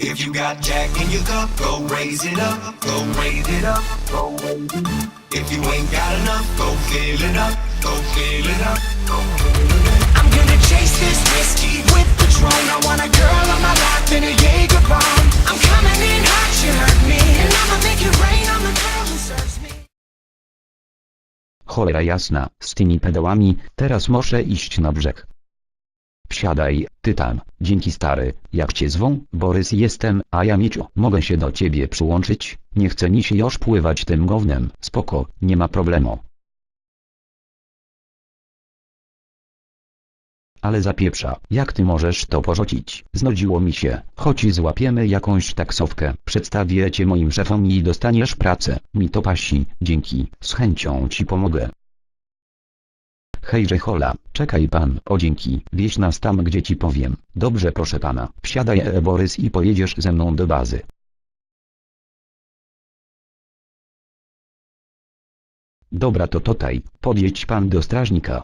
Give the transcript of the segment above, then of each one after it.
If you got Jack in your cup, go raise it up, go raise it up, go raise it up. If you ain't got enough, go fill it up, go fill it up, go fill it up. I'm gonna chase this whiskey with Patron. I want a girl on my lap in a Jaeger bomb. I'm coming in hot, you heard me, and I'ma make it rain on the girl who serves me. Cholera jasna, z tymi pedałami, teraz muszę iść na brzeg. Wsiadaj, Tytan, dzięki stary, jak cię zwą? Borys jestem, a ja Micio, mogę się do ciebie przyłączyć? Nie chce mi się już pływać tym gównem. Spoko, nie ma problemu. Ale zapieprza, jak ty możesz to porzucić? Znudziło mi się, choć złapiemy jakąś taksówkę, przedstawię cię moim szefom i dostaniesz pracę. Mi to pasi, dzięki, z chęcią ci pomogę. Hejże hola, czekaj pan, o dzięki, wieź nas tam gdzie ci powiem. Dobrze proszę pana, wsiadaj Borys i pojedziesz ze mną do bazy. Dobra to tutaj, podjedź pan do strażnika.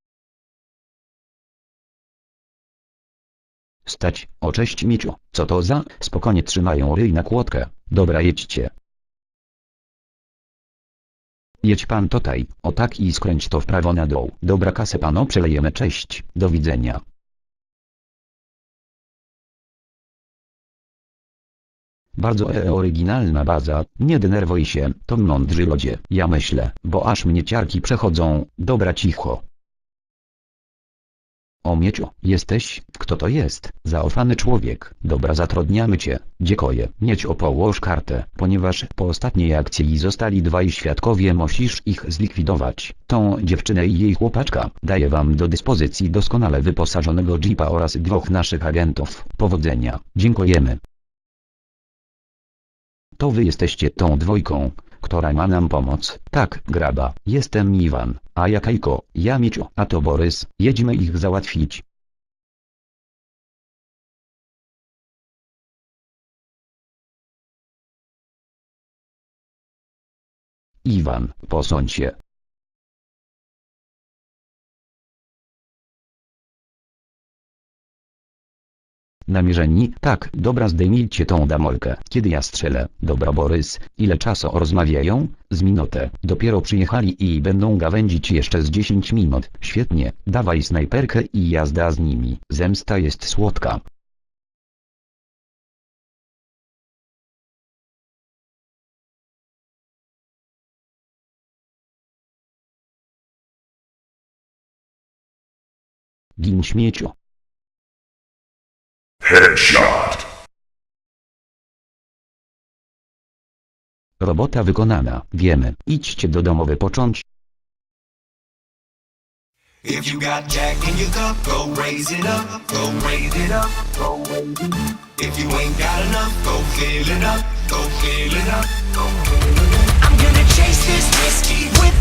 Stać, o cześć Miciu, co to za? Spokojnie trzymają ryj na kłodkę, dobra jedźcie. Jedź pan tutaj, o tak i skręć to w prawo na dół. Dobra kasę pano przelejemy, cześć, do widzenia. Bardzo oryginalna baza, nie denerwuj się, to mądrzy ludzie, ja myślę, bo aż mnie ciarki przechodzą, dobra cicho. O Mieciu, jesteś? Kto to jest? Zaufany człowiek. Dobra zatrudniamy cię. Dziękuję. Miecio połóż kartę, ponieważ po ostatniej akcji zostali dwaj świadkowie, musisz ich zlikwidować. Tą dziewczynę i jej chłopaczka. Daję wam do dyspozycji doskonale wyposażonego jeepa oraz dwóch naszych agentów. Powodzenia. Dziękujemy. To wy jesteście tą dwójką, która ma nam pomóc. Tak, graba, jestem Iwan, a ja Kajko, ja Micio, a to Borys, jedźmy ich załatwić. Iwan, posądź się. Namierzeni? Tak, dobra zdejmijcie tą damolkę. Kiedy ja strzelę? Dobra Borys, ile czasu rozmawiają? Z minutę. Dopiero przyjechali i będą gawędzić jeszcze z 10 minut. Świetnie, dawaj snajperkę i jazda z nimi. Zemsta jest słodka. Gin śmieciu. Headshot. Robota wykonana, wiemy. Idźcie do domu wypocząć. If you got Jack in your cup, go raise it up, go raise it up, go raise it up. If you ain't got enough, go fill it up, go fill it up, go fill it up. I'm gonna chase this whiskey with